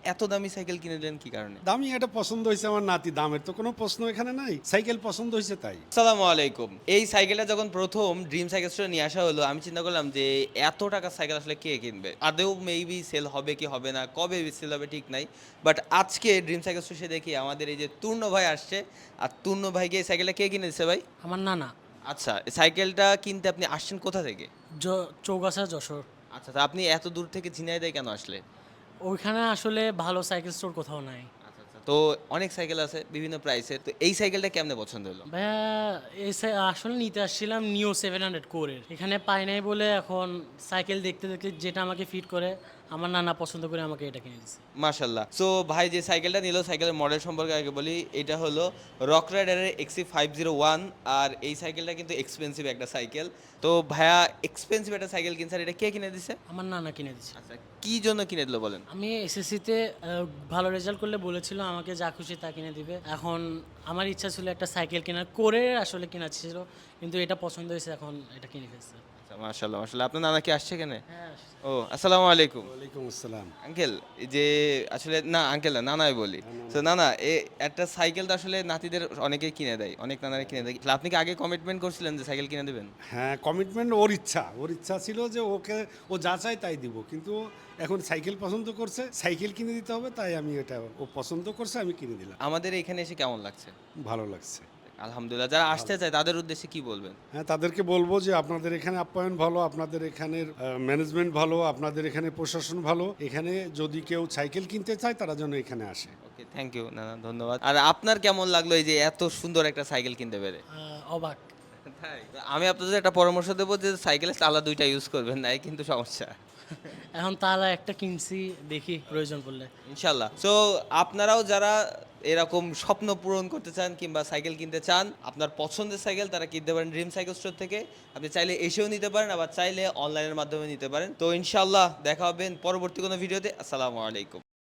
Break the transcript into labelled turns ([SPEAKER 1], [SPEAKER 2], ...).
[SPEAKER 1] এত দামি সাইকেল কিনে দিলেন কি কারণে?
[SPEAKER 2] দামি এটা পছন্দ হয়েছে আমার নাতি, দামের তো কোনো প্রশ্ন এখানে নাই, সাইকেল পছন্দ হয়েছে তাই।
[SPEAKER 1] আসসালামু আলাইকুম। এই সাইকেলটা যখন প্রথম ড্রিম সাইকেল স্টোরে নিয়ে আসা হলো, আমি চিন্তা করলাম যে এত টাকার সাইকেল আসলে কে কিনবে? আদৌ মেবি সেল হবে কি হবে না, কবে সেল হবে ঠিক নাই। বাট আজকে ড্রিম সাইকেল স্টোরে এসে দেখি আমাদের এই যে তূর্ণ ভাই আসছে। আর তূর্ণ ভাইকে এই সাইকেলটা কে কিনে দিছে ভাই?
[SPEAKER 3] আমার নানা।
[SPEAKER 1] আচ্ছা, সাইকেলটা কিনতে আপনি আসছেন কোথা থেকে?
[SPEAKER 3] চৌগাছা যশোর।
[SPEAKER 1] আচ্ছা, তো আপনি এত দূর থেকে ঝিনাইদহে কেন আসলেন?
[SPEAKER 3] ওইখানে আসলে ভালো সাইকেল স্টোর কোথাও নাই।
[SPEAKER 1] আচ্ছা, আচ্ছা। তো অনেক সাইকেল আছে বিভিন্ন প্রাইসের। তো এই সাইকেলটা কেমনে পছন্দ হলো?
[SPEAKER 3] ভাইয়া আসলে নিতে আসছিলাম নিও 700 কোরের, এখানে পাই নাই বলে এখন সাইকেল দেখতে দেখতে যেটা আমাকে ফিট করে আমার নানা পছন্দ করে আমাকে এটা কিনে দিচ্ছে।
[SPEAKER 1] মাশাল্লাহ। সো ভাই যে সাইকেলটা নিল, সাইকেলের মডেল সম্পর্কে আগে বলি। এটা হলো রক রাইডারের XC501। আর এই সাইকেলটা কিন্তু এক্সপেন্সিভ একটা সাইকেল। তো ভাইয়া এক্সপেন্সিভ একটা সাইকেল কিনছে, আর এটা কে কিনে দিছে?
[SPEAKER 3] আমার নানা কিনে দিচ্ছে।
[SPEAKER 1] আচ্ছা, কি জন্য কিনে দিল বলেন?
[SPEAKER 3] আমি এসএসসিতে ভালো রেজাল্ট করলে বলেছিল আমাকে যা খুশি তা কিনে দিবে। এখন আমার ইচ্ছা ছিল একটা সাইকেল কেনার, করে আসলে কেনা ছিল, কিন্তু এটা পছন্দ হয়েছে, এখন এটা কিনে ফেলছে।
[SPEAKER 1] আচ্ছা, মাশাল্লাহ মাশাল্লাহ। আপনার নানা কি আসছে এখানে?
[SPEAKER 3] হ্যাঁ।
[SPEAKER 1] ও, আসসালামু আলাইকুম।
[SPEAKER 2] ওয়ালাইকুম আসসালাম।
[SPEAKER 1] আঙ্কেল, এই যে আসলে না আঙ্কেল না, নানাই বলি। তো নানা, একটা সাইকেল তো আসলে নাতিদের অনেকেই কিনে দেয়, অনেক নানারা কিনে দেয়। আপনি কি আগে কমিটমেন্ট করছিলেন যে সাইকেল কিনে দেবেন?
[SPEAKER 2] হ্যাঁ, কমিটমেন্ট ওর ইচ্ছা ছিল যে ওকে ও যা চায় তাই দিব, কিন্তু এখন সাইকেল পছন্দ করছে, সাইকেল কিনে দিতে হবে, তাই আমি এটা ও পছন্দ করছে আমি কিনে দিলাম।
[SPEAKER 1] আমাদের এখানে এসে কেমন লাগছে?
[SPEAKER 2] ভালো লাগছে।
[SPEAKER 1] আলহামদুলিল্লাহ। যারা আসতে চায় তাদের উদ্দেশ্যে কি বলবেন?
[SPEAKER 2] হ্যাঁ, তাদেরকে বলবো যে আপনাদের এখানে আপ্যায়ন ভালো, আপনাদের এখানের ম্যানেজমেন্ট ভালো, আপনাদের এখানে প্রশাসন ভালো। এখানে যদি কেউ সাইকেল কিনতে চায় তারা যেন এখানে আসে।
[SPEAKER 1] ওকে, থ্যাংক ইউ নানা, ধন্যবাদ। আর আপনার কেমন লাগলো এই যে এত সুন্দর একটা সাইকেল কিনতে পেরে?
[SPEAKER 3] অবাক।
[SPEAKER 1] তাই? আমি আপনাদের একটা পরামর্শ দেবো যে সাইকেলের চালা দুইটা ইউজ করবেন, নাই কিন্তু সমস্যা।
[SPEAKER 3] এখন তারা একটা কিনছি, দেখি প্রয়োজন পড়লে।
[SPEAKER 1] ইনশাল্লাহ। সো আপনারাও যারা এরকম স্বপ্ন পূরণ করতে চান কিংবা সাইকেল কিনতে চান, আপনার পছন্দের সাইকেল তারা কিনতে পারেন ড্রিম সাইকেল স্টোর থেকে। আপনি চাইলে এসেও নিতে পারেন, আবার চাইলে অনলাইনের মাধ্যমে নিতে পারেন। তো ইনশাল্লাহ দেখা হবে পরবর্তী কোনো ভিডিওতে। আসসালামু আলাইকুম।